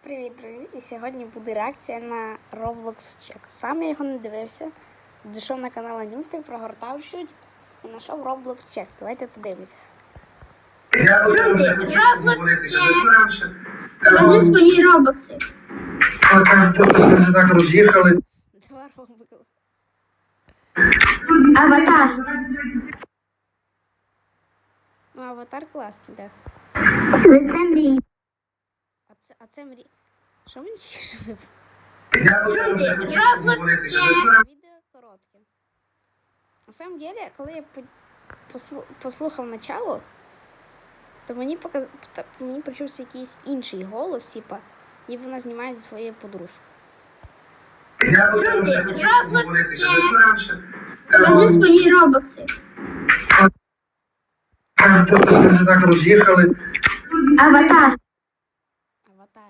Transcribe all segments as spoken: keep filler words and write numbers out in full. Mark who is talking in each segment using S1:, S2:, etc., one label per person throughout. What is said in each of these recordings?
S1: Привіт, друзі! І сьогодні буде реакція на Roblox Check. Сам я його не дивився. Дійшов на канал Анюти, прогортав чуть і знайшов Roblox Check. Давайте подивимося.
S2: Друзі, Roblox Check. Покажи свої робокси.
S3: Ми так роз'їхали.
S1: Два робокси.
S2: Аватар.
S1: Ну, аватар класний, так.
S2: Лице мрій.
S1: А це, а це мрі... Що мені ще випало?
S2: Друзі, Roblox Check.
S1: Відео коротке. На самом деле, коли я по- послу- послухав начало, то мені показ... та- мені почувся якийсь інший голос, типа, ніби вона знімає зі своєю подружкою.
S2: Друзі, Roblox Check. Покажи свої робокси.
S3: Ми так роз'їхали.
S2: Аватар.
S1: Аватар.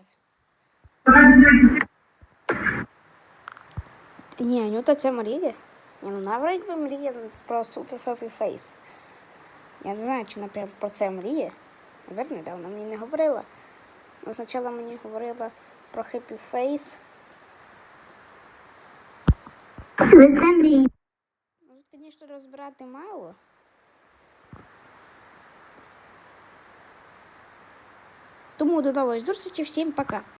S1: Ні, Анюта це мріє. Ні, ну навіть би мріє про Super Happy Face. Я не знаю, чи вона прям про це мріє. Наверно, да, вона мені не говорила. Но спочатку мені говорила про Happy Face.
S2: Лице мрій.
S1: Ну, звісно, розбирати мало. Тому до нової зустрічі, всім пока.